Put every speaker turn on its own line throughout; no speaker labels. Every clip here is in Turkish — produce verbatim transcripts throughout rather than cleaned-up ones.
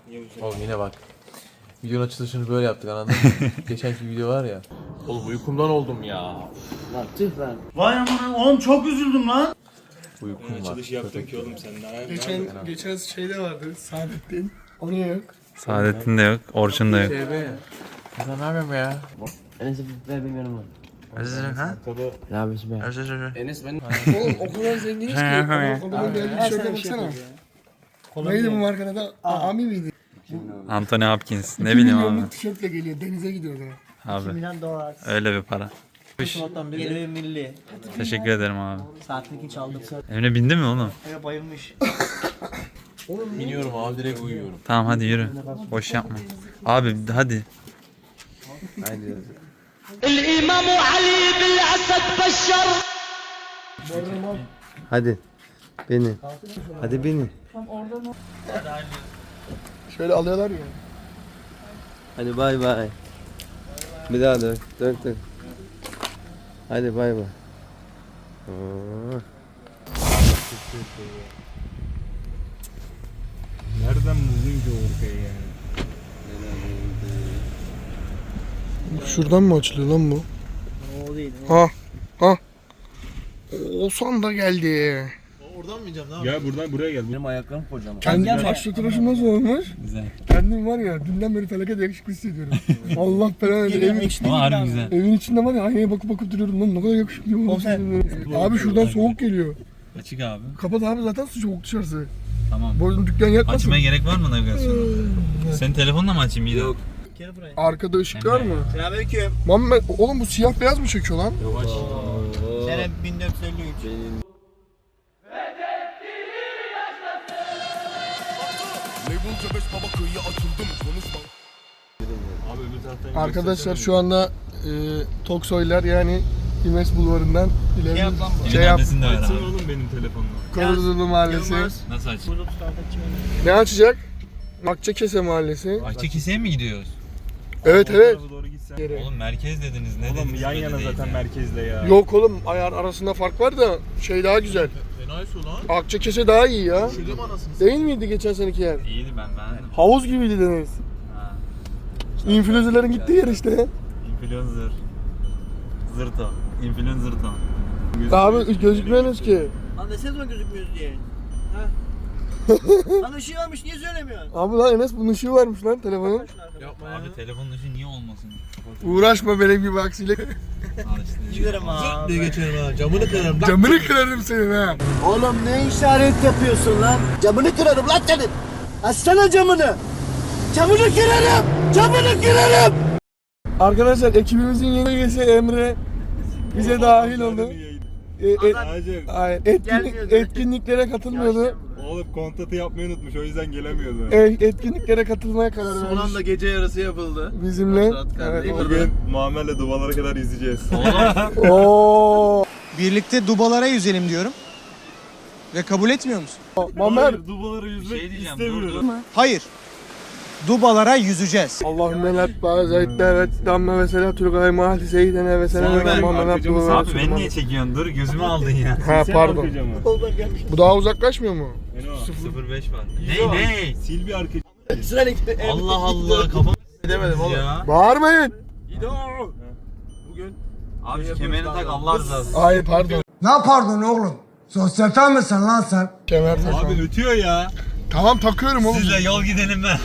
Oğlum yine bak. Videonun açılışını böyle yaptık anladın mı? Geçenki video var ya. Oğlum uykumdan oldum ya.
Lan tüh lan.
Vay aman oğlum çok üzüldüm lan.
Uykum var.
Açılış yaptım ki oğlum sen.
Geçen geçen şeyde vardı Saadettin. Onu yok.
Saadettin de yok, Orçun da yok.
Şey be. Kızlar ne yapıyorsun be ya?
Enes'e ver benim yanıma.
Ha?
Ne yapıyorsun be?
Enes benim. Oğlum o kadar zenginiz ki. Adamın geldiği tişörte baksana. Neydi bu markanın adı? Ami miydi?
Anthony Hopkins, ne bileyim abi.
Milyonluk tişörtle geliyor denize gidiyordu.
Abi,
Milyon dolar.
öyle bir para.
Yeni milli.
Teşekkür ederim abi.
Saatlik hiç aldım.
Emre bindi mi oğlum?
Eve bayılmış.
İniyorum abi direkt uyuyorum.
Tamam hadi yürü. Boş yapma. Abi hadi.
Haydi.
Hadi. Beni. Hadi beni.
Şöyle alıyorlar ya.
Hadi bay bay. Bir daha dön. Dön dön. Hadi bay bay. Oo.
Nereden buldun ki Orkay'ı yani?
Şuradan mı açılıyor lan bu?
O değil.
Ha. Ha. Oğuzhan da geldi.
Gel buradan buraya gel.
Benim ayaklarım kocaman.
Kendi saçlı tıraşım nasıl olmuş?
Güzel.
Kendim var ya dünden beri felaket yakışıklı hissediyorum. Allah belanı versin. Evin,
Ama harbi güzel.
evin içinde var ya aynaya bakıp bakıp duruyorum lan ne kadar yakışıklı olmuşsun. Abi şuradan soğuk geliyor.
Açık abi.
Kapat abi zaten su soğuk dışarısı.
Tamam.
Boynun dükkan yatmasın.
Açmaya gerek var mı navigasyonu? Senin telefonla mı açayım iyi de? Yok.
Arkada ışık var mı?
Selamünaleyküm.
Muhammed oğlum bu siyah beyaz mı çekiyor lan?
Sene bin dört yüz elli üç.
Abi öbür taraftan
Arkadaşlar şu anda e, Toksoylar yani İmes Bulvarı'ndan ileri
Şey yap lan bu.
şey yap.
Adresini de ver
Açsana
abi.
oğlum benim telefonla.
Koruzulu Mahallesi.
Nasıl aç?
Ne açacak? Akçakese Mahallesi.
Akçakiseye mi gidiyoruz?
Evet
O
evet.
tarafa doğru gitsen.
Oğlum merkez dediniz ne
Oğlum
dediniz?
yan
belli
yana
değil
zaten
ya.
merkezde ya.
Yok oğlum ayar arasında fark var da şey daha güzel. Akçakese daha iyi ya. Değil miydi geçen seneki yer?
İyiydi ben beğendim.
Havuz gibiydi deniz.
Ha.
İnfluencer'ların gittiği yer işte.
Influencer. Zırto. Influencer to.
Abi gözükmüyorsunuz ki.
Lan desene zaman gözükmüyoruz diye. Ha? Lan ışığı varmış niye söylemiyorsun?
Abi lan Enes bunun ışığı varmış lan telefonun.
Abi telefonun ışığı niye olmasın?
Uğraşma benim gibi aksiyle.
Al işte.
Giderim abi.
geçerim ha camını kırarım.
Camını kırarım senin ha.
Oğlum ne işaret yapıyorsun lan? Camını kırarım lan senin. Açsana camını. Camını kırarım. Camını kırarım.
Arkadaşlar ekibimizin yeni üyesi Emre bize dahil oldu. E, e,
Hacım.
hayır, etkinlik,
Gelmiyordu.
etkinliklere katılmıyordu.
Oğlum kontratı yapmayı unutmuş o yüzden gelemiyordu.
E, etkinliklere katılmaya karar vermiş
gece yarısı yapıldı.
bizimle. Evet.
Bugün Muammer'le dubalara kadar izleyeceğiz.
Oo.
Birlikte dubalara yüzelim diyorum. Ve kabul etmiyor musun?
Mamer.
Dubalara yüzmek
Şey diyeceğim,
istemiyorum.
dur, dur.
Hayır. Dubalara yüzeceğiz.
Allahümme lat bazayette ve damme ve selatül gaymahati seyyidene ve senene ve Muhammed Abdullah
Abi beni niye çekiyorsun? Dur gözümü aldın ya.
Ha pardon.
Arkacamı.
Bu daha uzaklaşmıyor mu?
Eno.
sıfır beş var. Ne ne?
Sil bir arka.
Allah Allah kafamı
Demedim oğlum.
ya.
Bağırmayın.
Bugün
Abi şu kemerini tak Allah rızası.
Hayır pardon.
Ne pardon oğlum? Sosyete misin lan sen?
Kemer takma.
Abi ötüyor ya.
Tamam takıyorum oğlum.
Sizle yol gidelim ben.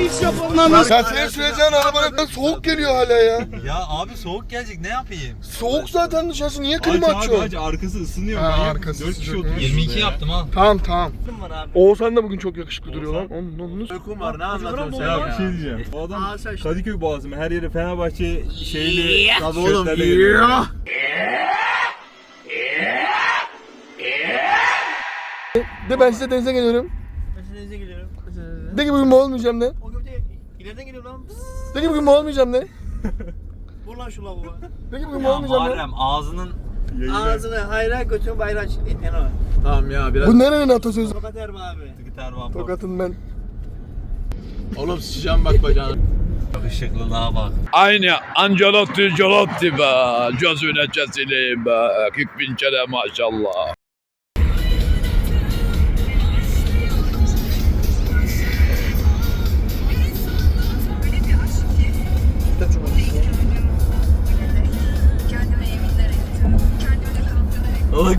Ya senin süreceğin arabanın soğuk geliyor hala ya.
Ya abi soğuk gelecek ne yapayım?
Soğuk zaten dışarısı niye
Aç
klima
abi
açıyorsun?
aç arkası ısınıyor.
Ha,
manyak.
arkası
Dört kişi
sıcak.
oturuyor.
yirmi iki
şurada ya.
yaptım al.
Tamam tamam.
var abi.
Oğuzhan da bugün çok yakışıklı duruyor lan. Onun, onun.
uykum var ne anlatıyorsun sen
Ya
ya?
bir şey diyeceğim. O adam
Aa, sen işte.
Kadıköy Boğazı mı? Her yere Fenerbahçe şeyli
Tabii oğlum.
tişörtlerle geliyor.
De ben size denize geliyorum.
Ben denize geliyorum.
De ki bugün mu olmayacağım de.
O gökte ileriden geliyor lan.
De ki bugün mu olmayacağım de.
Vur lan şu lavuğa.
De ki bugün mu
Ya
olmayacağım de.
Muharrem ağzının
Yayına.
Ağzını hayra götürün bayrağı aç. Eno.
Tamam ya biraz.
Bu nerenin atasözü?
Tokat Erba abi.
gitar var.
Tokat'ın ben.
Oğlum sıçacağım bak bacağına.
Işıklılığa bak.
Aynı Ancelotti Giolotti be. Gözüne kesileyim be. kırk bin kere maşallah.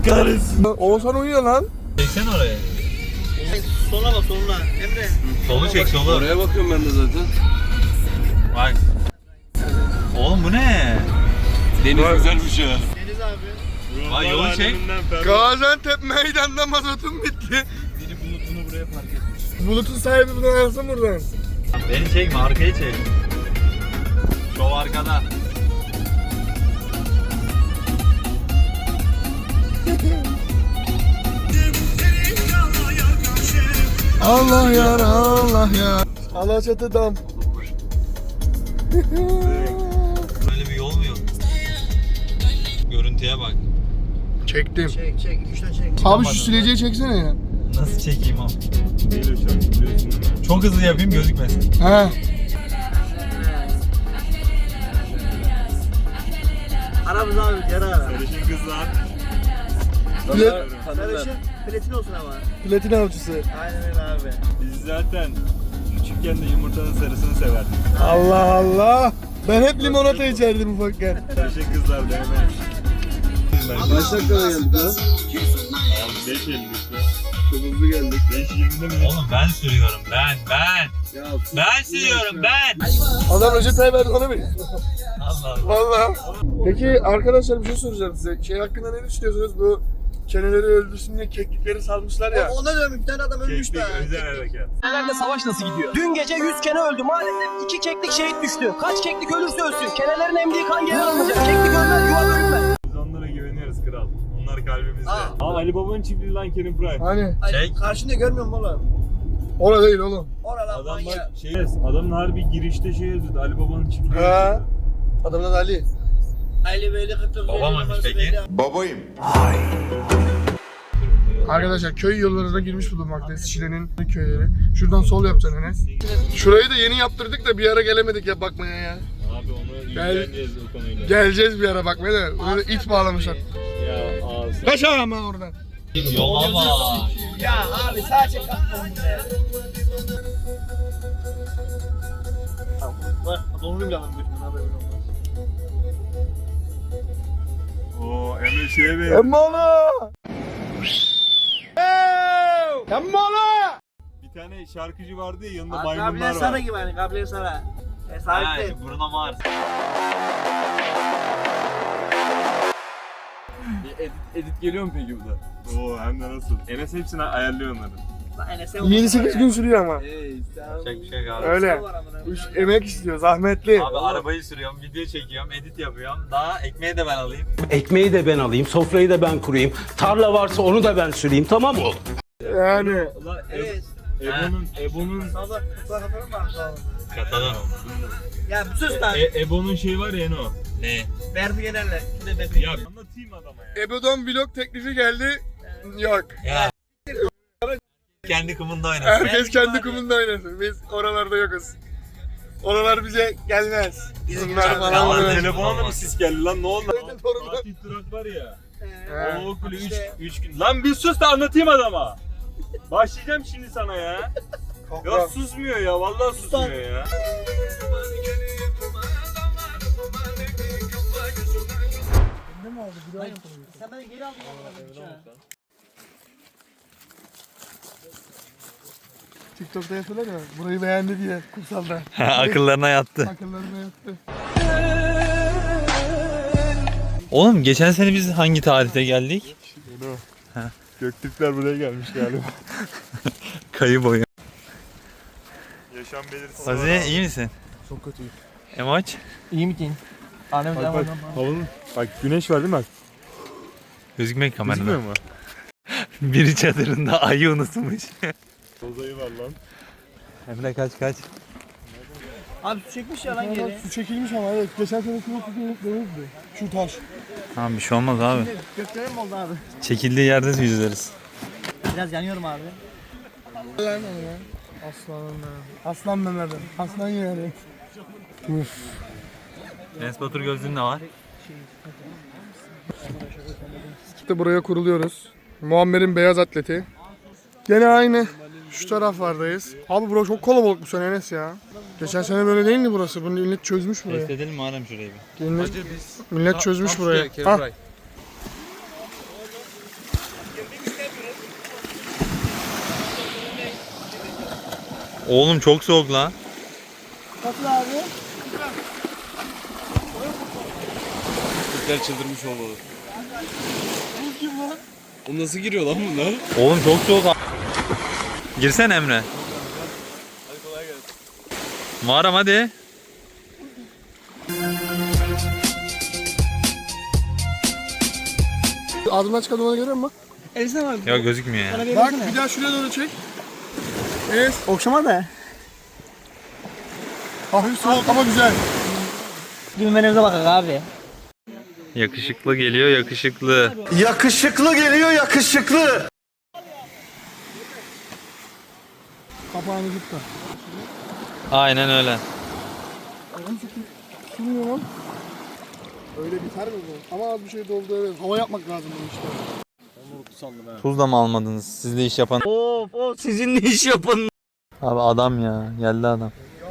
kahretsin.
Oğuzhan uyuyor lan.
Çeksen oraya.
Sola bak soluna. Emre.
Solu çek solu.
Oraya bakıyorum ben de zaten.
Bak. Oğlum bu ne?
Deniz güzelmiş ya.
Deniz abi.
Vay yolu çek.
Gaziantep meydanda mazotum bitti.
Biri bulutunu buraya park etmiş.
Bulutun sahibi buradan alsın buradan.
Beni çekme arkayı çek. Şov arkada.
Allah ya Allah ya. Alaçatı dam.
Böyle bir yol mu yok? Görüntüye bak.
Çektim.
Çek çek. İki üç tane çek.
Abi şu sileceği çeksene ya.
Nasıl çekeyim abi?
Değil o şarkı biliyorsun değil mi?
Çok hızlı yapayım gözükmesin.
He.
Aramız abi yara ara.
Sarışın kızlar.
Plat,
Sarışın platin olsun ama.
platin avcısı.
Aynen öyle abi.
Biz zaten küçükken de yumurtanın sarısını severdik.
Allah Allah. Ben hep limonata içerdim ufakken.
Sarışın kızlar dövme.
Kaç dakikada geldik lan?
Abi beş elli işte. Çok hızlı geldik. beş yirmide mi?
Oğlum ben sürüyorum ben ben. Ben sürüyorum ben.
Adam Recep Tayyip Erdoğan'a mı?
Allah Allah.
Valla. Peki arkadaşlar bir şey soracağım size. Şey hakkında ne düşünüyorsunuz? Bu keneleri öldürsün diye keklikleri salmışlar ya.
Ona diyorum bir tane adam ölmüş
Keklik
be.
özel harekat.
Nerede savaş nasıl gidiyor? Dün gece yüz kene öldü. Maalesef iki keklik şehit düştü. Kaç keklik ölürse ölsün. Kenelerin emdiği kan geri alınacak. Keklik ölmez, yuva bölünmez.
Biz onlara güveniyoruz kral. Onlar kalbimizde. Aa, Ali Baba'nın çiftliği lan Kerim Prime.
Hani?
Çek.
Karşında görmüyor musun oğlum?
Orada değil oğlum.
Orada lan
Adam
manyak.
bak şey, adamın harbi girişte şey yazıyordu. Ali Baba'nın çiftliği.
He.
yazıyordu.
Adamın adı Ali.
Ali böyle kırk dokuz.
Baba mıymış peki?
Babayım.
Arkadaşlar köy yollarına girmiş bulunmaktayız. Şile'nin köyleri. Şuradan sol yapacaksın Enes. Şurayı da yeni yaptırdık da bir ara gelemedik ya bakmaya ya.
Abi onu
Gel-
ilgileneceğiz o konuyla.
Geleceğiz bir ara bakmaya da. Orada it bağlamışlar.
Ya ağzı.
Kaç ama oradan.
Yola bak.
Ya abi sadece kalkmam ya. Bak donurayım ya ben götümden haberim olmaz.
Oo Emre şeye benziyor.
Emmoğlu! Emmoğlu!
Bir tane şarkıcı vardı ya yanında
Gabriel
maymunlar
Sara
var.
gibi hani Gabriel Sara. E
Ha,
sahipte.
Bruno Mars.
Bir edit, edit geliyor mu peki bu da?
Oo hem de nasıl. Enes hepsini ayarlıyor onları.
Lan Enes'e
yedi sekiz gün sürüyor ama.
Hey sen.
Çek bir şey abi.
Öyle. Üç emek istiyor, zahmetli.
Abi arabayı sürüyorum, video çekiyorum, edit yapıyorum. Daha ekmeği de ben alayım.
Ekmeği de ben alayım, sofrayı da ben kurayım. Tarla varsa onu da ben süreyim, tamam mı?
Yani.
Ulan
Evet.
Ebo'nun Ebo'nun
Sabah kutlar kapatalım mı abi?
Katalım.
Ya bir sus lan.
e, Ebo'nun şeyi var ya Eno.
Ne?
Ver bir yenerler. Bir de ben
Ya anlatayım adama ya.
Ebo'dan vlog teklifi geldi. Yok.
Ya. Kendi kumunda oynasın.
Herkes kendi kumunda oynasın. Biz oralarda yokuz. Oralar bize gelmez. Bunlar
Ya,
falan
Vallahi
böyle.
Telefona da mı sis geldi lan ne oldu?
Aynen, torunlar.
Fatih Durak var ya.
He.
O okulu üç
işte.
üç gün. Lan bir sus da anlatayım adama. Başlayacağım şimdi sana ya. Ya susmuyor ya vallahi susmuyor ya.
Sen beni geri aldın.
TikTok'ta yapıyorlar ya. Burayı beğendi diye kumsalda.
Akıllarına yattı.
Akıllarına yattı.
Oğlum geçen sene biz hangi tarihte geldik?
Göktürkler buraya gelmiş galiba.
Kayı boyu.
Yaşam belirtisi.
Azize iyi misin?
Çok kötüyüm.
Emoç?
İyi misin? Annem
Bak bak havanın. Bak güneş var değil mi bak?
Gözükmek kamerada.
Gözükmüyor mu?
Biri çadırında ayı unutmuş.
Bozayı var lan.
Emre kaç kaç.
Abi su çekmiş ya lan geri.
Su çekilmiş ama evet. Geçen sene su denizdi. Şu taş.
Tamam bir şey olmaz abi.
Göklerim mi oldu abi?
Çekildiği yerde yüzeriz.
Biraz yanıyorum abi.
Lan o ya. Aslanım ya. Aslan Mehmet'im. Aslan yani. Uf.
Enes Batur gözlüğün de var.
İşte buraya kuruluyoruz. Muammer'in beyaz atleti. Gene aynı. Şu taraflardayız. Abi burası çok kalabalık bu sene Enes ya. Geçen sene böyle değildi burası. Bunu millet çözmüş burayı.
Test edelim mi Arem şurayı bir?
Millet,
Hacı biz.
millet çözmüş
Tam
burayı.
şuraya,
Ha.
Kerim
Oğlum çok soğuk lan.
Nasıl abi?
Türkler çıldırmış olmalı. O nasıl giriyor lan bunlar?
Oğlum çok soğuk. a- Girsene Emre.
Hadi kolay gelsin.
Muharrem hadi.
Ağzımdan çıkan dumanı görüyor musun?
Ya gözükmüyor ya.
Bak bir daha şuraya doğru çek. Evet.
Okşama da.
Hafif soğuk ama güzel.
Düğmenimize bakın abi.
Yakışıklı geliyor yakışıklı.
Yakışıklı geliyor yakışıklı.
Kapağını tut da.
Aynen öyle.
Bilmiyorum lan. Öyle biter mi bu? Ama az bir şey doldu evet. Hava yapmak lazım bunu işte.
Tuz da mı almadınız? Sizle iş yapan.
Of of sizinle iş yapın.
Abi adam ya. Geldi adam.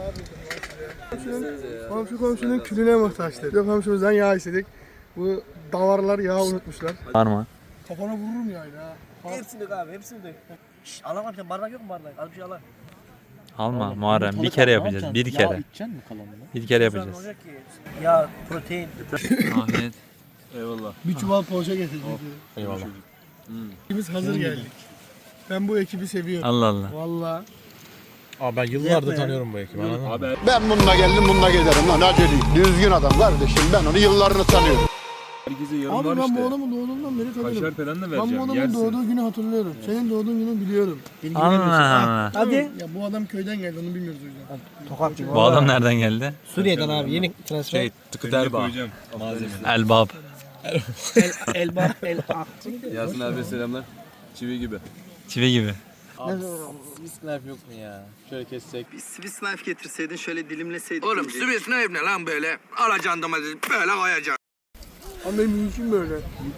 Komşu komşunun külüne muhtaçtı. Yok komşumuzdan yağ istedik. Bu davarlar yağ unutmuşlar.
Var mı?
Kafana vururum yani ha.
Hepsini dök abi hepsini dök. Şşş alamam sen bardak yok mu bardak? Al bir şey al.
Alma Muharrem. Bir kere yapacağız. Bir kere. Bir kere yapacağız.
Olacak ki. Ya protein.
Afiyet.
Eyvallah.
Bir çuval poğaça getirdik.
Eyvallah.
Ekibimiz hazır geldik. Ben bu ekibi seviyorum.
Allah Allah.
Vallahi.
Abi ben yıllardır tanıyorum bu ekibi. Anladın mı?
Ben bununla geldim bununla giderim lan aceleyim. Düzgün adam kardeşim ben onu yıllarını tanıyorum.
Herkese yarım
Abi
var
ben
işte.
bu adamı doğduğundan beri tanıyorum.
Kaşar falan da
Ben bu
vereceğim.
adamın
Yersin.
doğduğu günü hatırlıyorum. Senin doğduğun günü biliyorum.
Allah Allah.
Hadi.
Ya bu adam köyden geldi onu bilmiyoruz o yüzden.
Tokatçı.
Bu adam nereden geldi?
Suriye'den abi yeni transfer.
Şey, tıkıt Erbağ.
Elbab.
El, elbap el ak.
Yasin abi selamlar. Çivi gibi.
Çivi gibi.
Abi Swiss knife yok mu ya? Şöyle kessek.
Bir Swiss knife getirseydin şöyle dilimleseydin.
Oğlum Swiss ne ne lan böyle? Alacaksın domatesi böyle koyacaksın.
Ama benim işim böyle.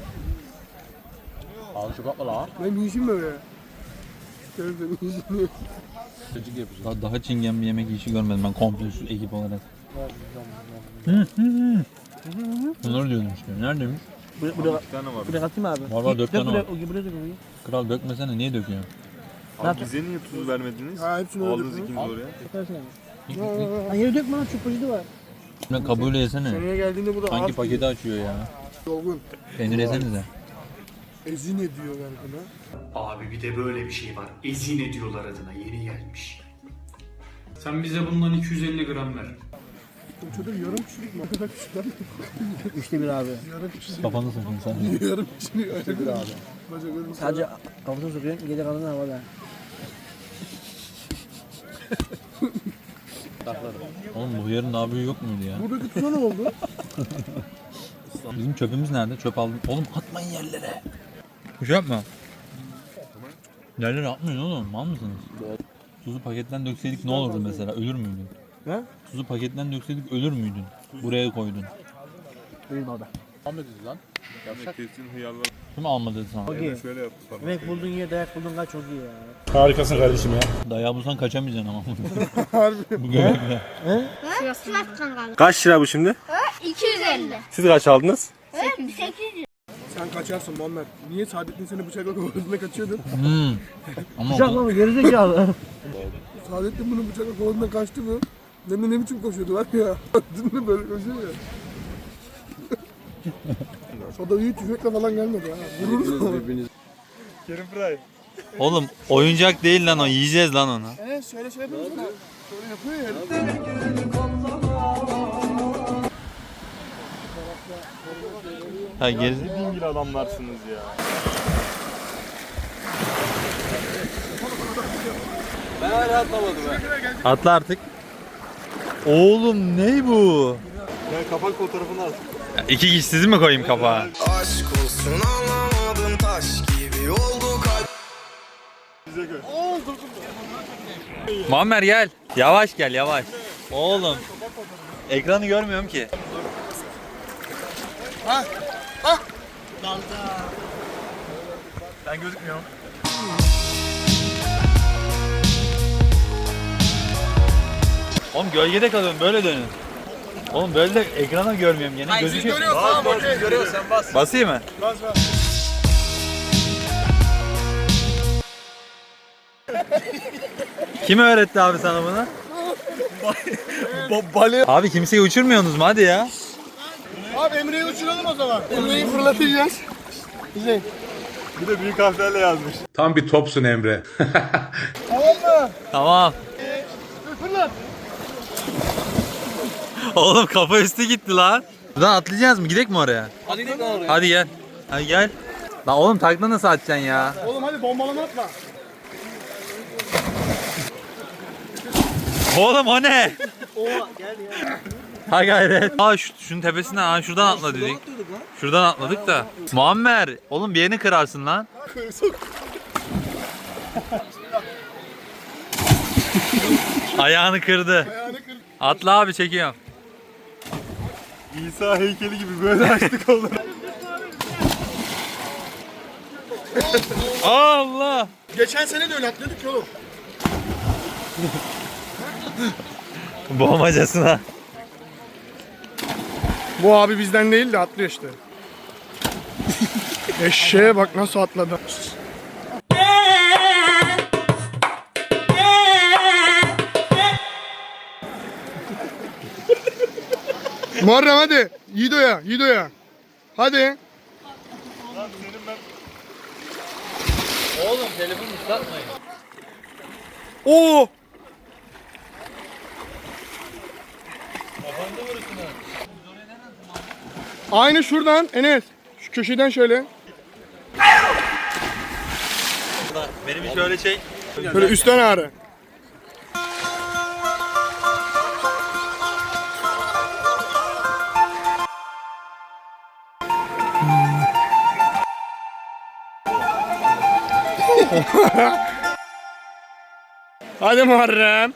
Al şu kapla la.
Benim işim böyle. Şöyle benim işim böyle.
Çocuk yapacağız.
Daha, daha çingen bir yemek işi görmedim ben komple şu ekip olarak. Hı hı hı. Bunları diyordum işte. Neredeymiş?
Buraya, buraya,
Bir tane var.
buraya atayım abi.
Var var dört
Dök
tane
buraya,
var.
o buraya dök orayı.
Kral dökmesene niye döküyorsun?
Abi bize niye tuz vermediniz?
Ha hepsini öyle
Aldınız
dökün.
ikiniz oraya.
Dökersin abi. Lan yere dökme lan çok poşeti var.
Ne kabuğuyla yesene.
Seneye geldiğinde bu da
Hangi
az
paketi açıyor ya?
dolgun.
Peynir yesenize.
Ezine diyorlar buna.
Abi bir de böyle bir şey var. Ezine diyorlar adına yeni gelmiş.
Sen bize bundan iki yüz elli gram ver.
Bu çocuk yarım kişilik mi? O kadar küçük lan.
Üçte bir abi.
Yarım kişilik.
Kafanı sakın sen.
Yarım kişilik. Öyle bir abi. Bacak ölüm.
Sadece kafasını sokuyorsun gece kalanı havada.
Oğlum bu yarın daha büyüğü yok muydu ya?
Buradaki tuza ne oldu?
Bizim çöpümüz nerede? Çöp aldım. Oğlum atmayın yerlere. Bir şey yapma. Yerlere atmayın oğlum. Mal mısınız? Tuzu paketten dökseydik ne olurdu mesela? Ölür müydün?
Ne?
Tuzu paketten dökseydik ölür müydün? Buraya koydun.
Benim orada.
Ahmet dedi lan. Yavşak.
Kesin hıyarlar.
Kim almadı sana?
Çok iyi.
Şöyle yaptı falan.
Yemek buldun yer dayak buldun kaç çok iyi ya.
Harikasın kardeşim ya.
Dayağı bulsan kaçamayacaksın ama.
Harbi.
Bu göbekle.
Kaç lira bu şimdi?
iki yüz elli.
Siz kaç aldınız?
sekiz yüz.
Sen kaçarsın Muhammed. Niye Saadettin seni bıçakla kovaladığında kaçıyordun?
Hmm. Ama o-
Bıçakla mı gerizekalı?
Saadettin bunu bıçakla kovaladığında kaçtı mı? Ne, ne biçim koşuyordu var ya. Dün de böyle koşuyor ya. O da iyi tüfekle falan gelmedi ha. Vurur.
Kerim Fry.
Oğlum oyuncak değil lan o. Yiyeceğiz lan onu.
Evet şöyle şey yapıyoruz da. Şöyle yapıyor ya.
Ha geri...
Dingil adamlarsınız ya.
Ben hala atlamadım ha.
Atla artık. Oğlum ne bu?
Ben kapak fotoğrafını at.
İki kişi sizi mi koyayım kapağa?
Aşk olsun anlamadım taş gibi oldu kalp.
Muammer gel. Yavaş gel yavaş. Oğlum. Ekranı görmüyorum ki.
Ben gözükmüyorum.
Oğlum gölgede kalıyorum böyle dönün. Oğlum böyle de ekrana görmüyorum gene. Gözüküyor.
Bas bas görüyorsun sen bas.
Basayım mı?
Bas bas.
Kim öğretti abi sana bunu? Abi kimseyi uçurmuyorsunuz mu hadi ya?
Abi Emre'yi uçuralım o zaman. Emre'yi fırlatacağız. Güzel.
Bir de büyük harflerle yazmış.
Tam bir topsun Emre.
Tamam mı?
Tamam.
Fırlat.
Oğlum kafa üstü gitti lan. Buradan atlayacağız mı? Gidelim mi oraya?
Hadi gidelim oraya.
Hadi gel. Hadi gel. Lan oğlum takla nasıl atacaksın ya?
Oğlum hadi bombalama atma.
Oğlum o ne? Oha gel ya. Ha gayret. Aa şu, şunun tepesinden, aa şuradan atla dedik. Şuradan atladık da. Muammer, oğlum bir yerini kırarsın lan. Ayağını kırdı. Atla abi çekiyorum.
İsa heykeli gibi böyle açtık oğlum.
Allah.
Geçen sene de öyle atladık oğlum.
Boğmacasına.
Bu abi bizden değil de atlıyor işte. Eşeğe bak nasıl atladı. Muharrem hadi. Yiğido'ya, Yiğido'ya. Hadi.
Oğlum telefonu ıslatmayın.
Oo. Aynı şuradan Enes. Şu köşeden şöyle.
Benim bir şöyle çek.
Böyle üstten ağrı. Hadi Muharrem.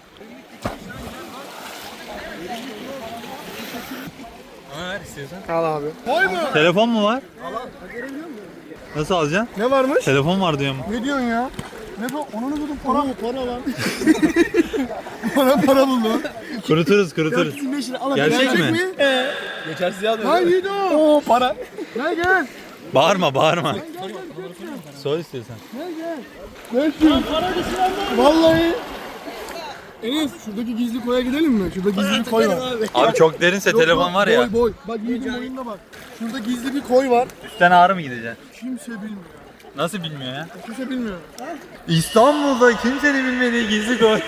Ver istiyorsan.
Al abi. Koy mu?
Telefon mu var? Nasıl alacaksın?
Ne varmış?
Telefon var diyorum.
Ne diyorsun ya? Ne bu? Onu buldum para. Para var. Para para buldum.
Kuruturuz kuruturuz. Gerçek mi?
Geçersiz ya. Hayır o. Oo para. Gel gel.
Bağırma bağırma. Sor istiyorsan.
Gel gel. Vallahi. Enes şuradaki gizli koya gidelim mi? Şurada gizli bir koy var.
Abi çok derinse telefon var ya.
Boy boy. Bak Yiğit'in boyunda bak. Şurada gizli bir koy var.
Üstten ağrı mı gideceksin?
Kimse bilmiyor.
Nasıl bilmiyor ya?
Kimse bilmiyor.
İstanbul'da kimsenin bilmediği gizli koy.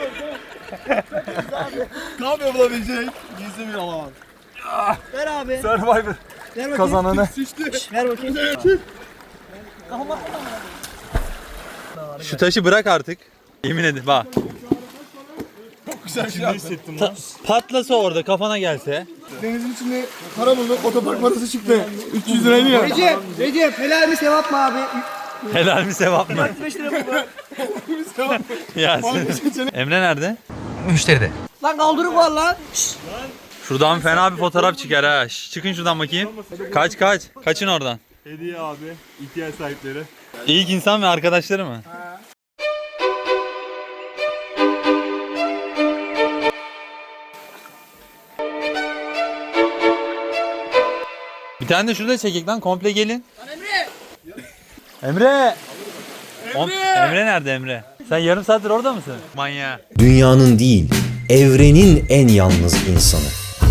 Ne yapıyor bulabilecek? Gizli bir alan.
Ver abi.
Survivor.
Ver bakayım.
Kazananı. Sıçtı.
Ver bakayım.
Şu taşı bırak artık. Yemin ederim bak.
Güzel şey yaptın.
Ta- patlasa orada kafana gelse.
Denizin içinde para bulduk. Otopark parası çıktı. üç yüz liraydı ya.
Recep, Recep helal mi sevap mı abi?
Helal mi sevap mı?
beş lira mı?
Yasin. Emre nerede?
Lan kaldırık var lan.
Şuradan fena bir fotoğraf çıkar ha. Şş, çıkın şuradan bakayım. Kaç kaç. Kaçın oradan.
Hediye abi. İhtiyaç sahipleri.
İlk insan ve arkadaşları mı? Bir tane de şurada çekek lan komple gelin. Emre! Emre! Emre! Emre nerede Emre? Sen yarım saattir orada mısın? Manyağı.
Dünyanın değil, evrenin en yalnız insanı.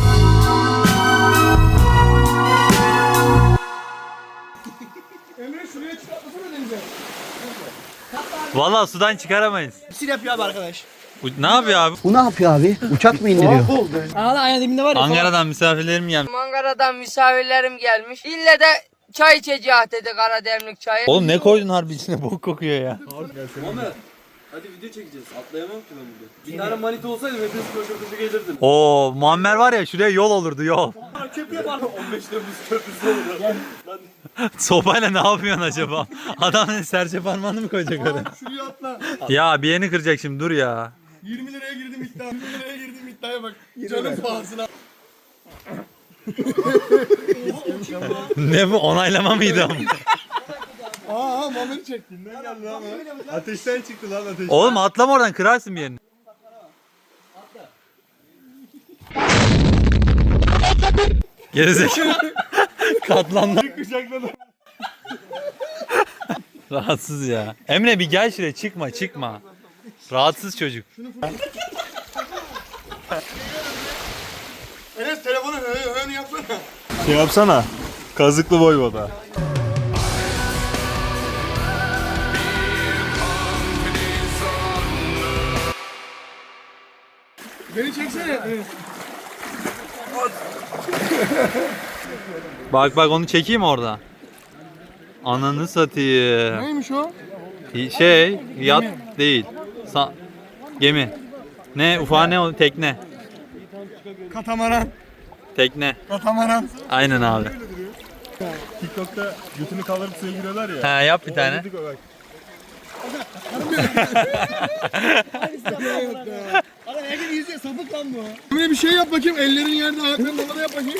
Emre şuraya çıkartmasana denize.
Vallahi sudan çıkaramayız.
Sil yapıyor abi arkadaş.
Bu, ne yapıyor abi?
Bu ne yapıyor abi? Uçak mı indiriyor?
Aa ayağın dibinde var ya.
Ankara'dan misafirlerim gelmiş.
Ankara'dan misafirlerim gelmiş. İlle de çay içeceğiz dedi, kara demlik çayı.
Oğlum ne koydun harbi içine bok kokuyor ya.
Hadi video çekeceğiz. Atlayamam ki ben burada. Bir tane manita olsaydı hepiniz koşu koşu gelirdim.
Oo Muammer var ya şuraya yol olurdu yol.
Köprü var. on beş Temmuz köprüsü olur.
Sopayla ne yapıyorsun acaba? Adam ne serçe parmağını mı koyacak oraya?
Şuraya atla.
Ya bir yerini kıracak şimdi dur ya.
yirmi liraya girdim iddia. yirmi liraya girdim iddiaya bak. Canım pahasına.
Ne bu onaylama mıydı ama?
Aa Muammer'i çektin. Ne geldi lan?
Ateşten çıktı lan ateş.
Oğlum atlama oradan kırarsın bir yerini. Gerizekalı. Katlandı. Rahatsız ya. Emre bir gel şuraya çıkma çıkma. Rahatsız çocuk.
Enes telefonu hı hı yapsana.
Şey yapsana. Kazıklı Voyvoda.
Beni çeksene Enes.
Bak bak onu çekeyim orada. Ananı satayım.
Neymiş o?
Şey, yat değil. Sa gemi. Ne? Ufağı ne o? Tekne.
Katamaran.
Tekne.
Katamaran.
Aynen abi.
TikTok'ta götünü kaldırıp suya giriyorlar ya.
He yap bir tane.
Adam herkes yüzüyor, sapık lan bu. Böyle bir şey yap bakayım, ellerin yerde, ayakların havada yap bakayım.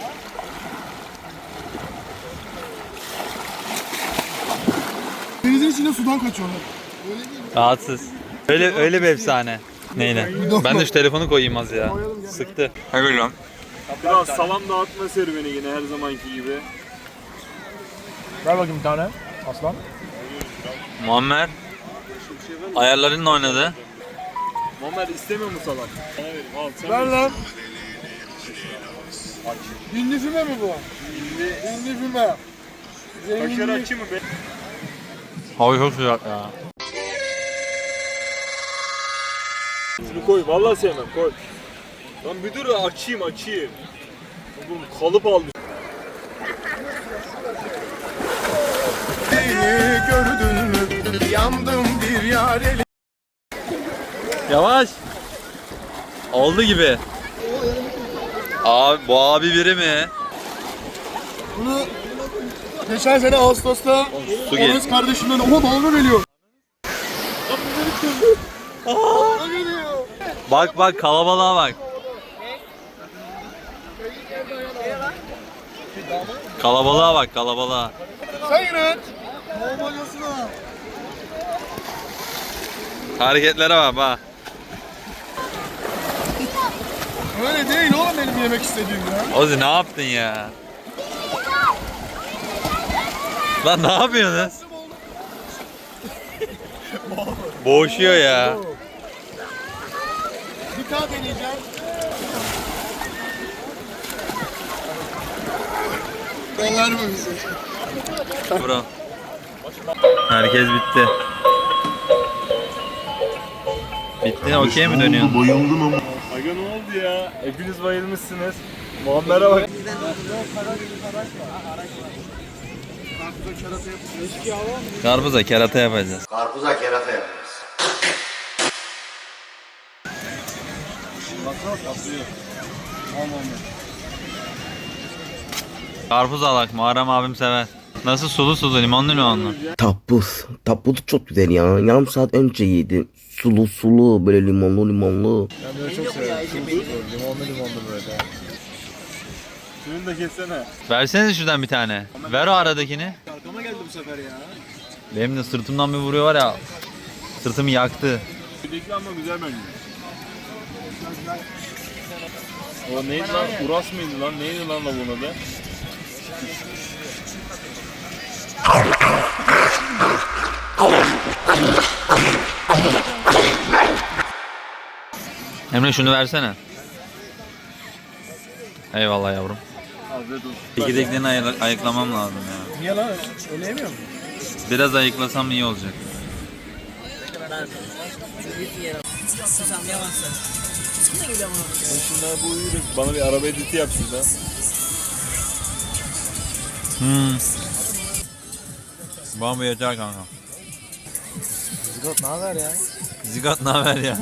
Denizin içinde sudan kaçıyorlar.
Rahatsız. Öyle öyle bir efsane. Neyle? Ben de şu telefonu koyayım az ya. Sıktı. Hadi lan.
Biraz salam dağıtma serüveni yine her zamanki gibi.
Ver bakayım bir tane. Aslan.
Muammer ayarlarınla oynadı.
Muammer istemiyor mu salam? Bana verin. Al sen
Ver
ver.
lan. Hindi füme mi bu? Hindi. Hindi füme.
Kaşar açı mı be?
Hava çok sıcak ya.
Şunu koy. Vallahi sevmem. Koy. Lan bir dur açayım açayım. Oğlum kalıp aldı.
Gördün mü? Yandım bir yareli.
Yavaş. Oldu gibi. Abi bu abi biri mi?
Bunu geçen sene Ağustos'ta
Su gel.
Oğuz kardeşimden oha dalga geliyor. Dalga geliyor.
Bak bak kalabalığa bak. Kalabalığa bak kalabalığa.
Sen yine. Normalyasına.
Hareketlere bak bak.
Öyle değil oğlum benim yemek istediğim ya.
Ozi ne yaptın ya? Lan ne yapıyorsunuz? Boğuşuyor ya.
Bir daha deneyeceğim. Yollar mı bizi?
Bro. Herkes bitti. Bitti okey mi dönüyorsun?
Aga ne oldu ya? Hepiniz bayılmışsınız. Muammer'e bak.
Karpuza kerata yapacağız.
Karpuza kerata yapıyoruz.
Karpuz alak Muharrem abim sever. Nasıl sulu sulu limonlu limonlu.
Tapuz. Tapuz çok güzel ya. Yarım saat önce yedim. Sulu sulu böyle limonlu limonlu.
Ben böyle çok seviyorum. Sulu sulu, limonlu limonlu böyle.
Şunu da kessene.
Versenize şuradan bir tane. Ver o aradakini.
Arkama geldi bu sefer ya.
Benim de sırtımdan bir vuruyor var ya. Sırtımı yaktı.
Ödekli ama güzel bence. O neydi lan? Uras mıydı lan? Neydi lan da bunun adı?
Emre şunu versene. Eyvallah yavrum.
Afiyet olsun.
Çekirdeklerini ayı- ayıklamam lazım ya.
Niye lan? Öyle yemiyor musun?
Biraz ayıklasam iyi olacak.
Şunlar bu uyuyor. Bana bir araba editi yap şurada.
Hmm. Bambu yeter kanka.
Zigot ne haber ya?
Zigot ne haber ya?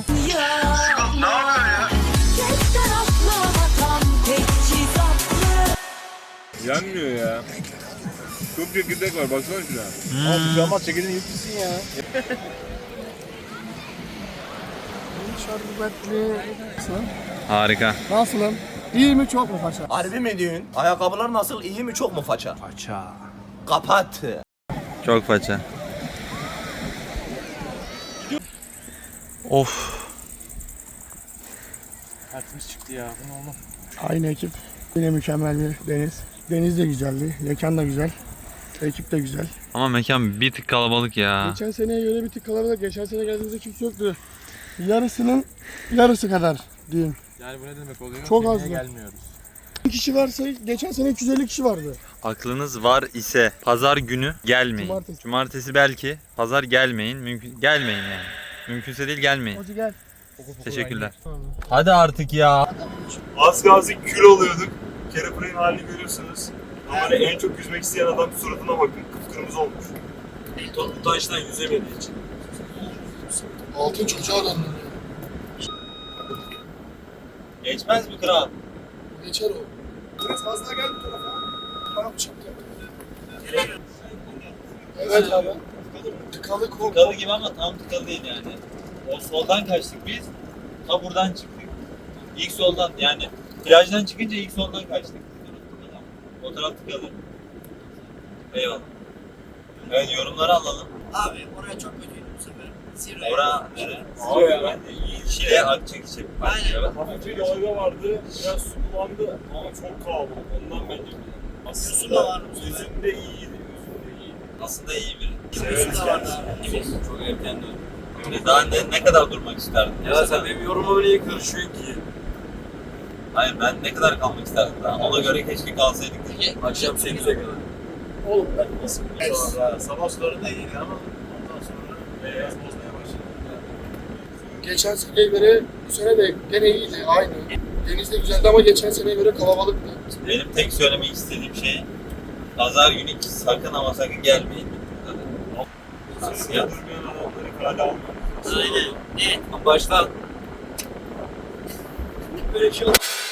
Yanmıyor ya. Çok çekirdek var baksana şuna.
Hmm.
Ama bir şey olmaz çekirdeğini yutmuşsun ya.
Şerbetli.
Harika.
Nasılım? İyi mi çok mu paşa?
Harbi mi diyorsun? Ayakkabılar nasıl? İyi mi çok mu faça? Faça. Kapat.
Çok faça. Of.
Tertemiz çıktı ya. Bu ne oğlum?
Aynı ekip. Yine mükemmel bir deniz. Deniz de güzeldi. Mekan da güzel. Ekip de güzel.
Ama mekan bir tık kalabalık ya.
Geçen seneye göre bir tık kalabalık. Geçen sene geldiğimizde kimse yoktu. yarısının yarısı kadar diyeyim.
Yani bu ne demek oluyor?
Çok
Yemeğe
azdı.
gelmiyoruz.
Bir kişi varsa geçen sene üç yüz elli kişi vardı.
Aklınız var ise pazar günü gelmeyin.
Cumartesi.
Cumartesi belki. Pazar gelmeyin. Mümkün gelmeyin yani. Mümkünse değil gelmeyin.
Hoca gel.
Teşekkürler. Hadi artık ya.
Az kalsın kül oluyorduk. Kerepray'ın halini görüyorsunuz. Ama hani en çok yüzmek isteyen adam suratına bakın. Kıpkırmızı olmuş. Elton bu taştan yüzemediği için.
Altın çocuğa döndü.
Geçmez mi kral?
Geçer o. Biraz fazla gel bu tarafa. Tamam çıktı. Evet abi. Tıkalı korku.
Tıkalı gibi ama tam tıkalı değil yani. O soldan kaçtık biz. Ta buradan çıktık. İlk soldan yani plajdan çıkınca ilk soldan kaçtık. O taraf tıkalı. Eyvallah. Evet yorumları alalım.
Abi oraya çok kötüydü bu sefer. Zirve.
Ora nere?
Abi ben de iyi.
Şile Akçakişi.
Aynen.
Hafifçe dalga vardı. Biraz su bulandı ama çok kalabalık. Ondan bence. Aslında
Su da var bu sefer.
yüzüm de iyiydi. Yüzüm de iyiydi.
Aslında iyi biri.
Yüzüm de vardı.
Çok erken döndüm. Daha ne, ne kadar durmak isterdin?
Ya sen benim yoruma bile karışıyorsun ki.
Hayır ben ne kadar kalmak isterdim daha. Ona göre keşke kalsaydık.
Akşam sekize kadar.
Oğlum ben nasıl
Sonra sabah sularında iyiydi ama ondan sonra beyaz bozmaya başladı.
Geçen seneye göre bu sene de gene iyiydi aynı. Deniz de güzeldi ama geçen seneye göre kalabalıktı.
Benim tek söylemek istediğim şey pazar günü hiç sakın ama sakın gelmeyin. Nasıl ya?
Durmayan adamları kale almak.
Aynen. Evet.
Baştan
Böyle bir şey oldu.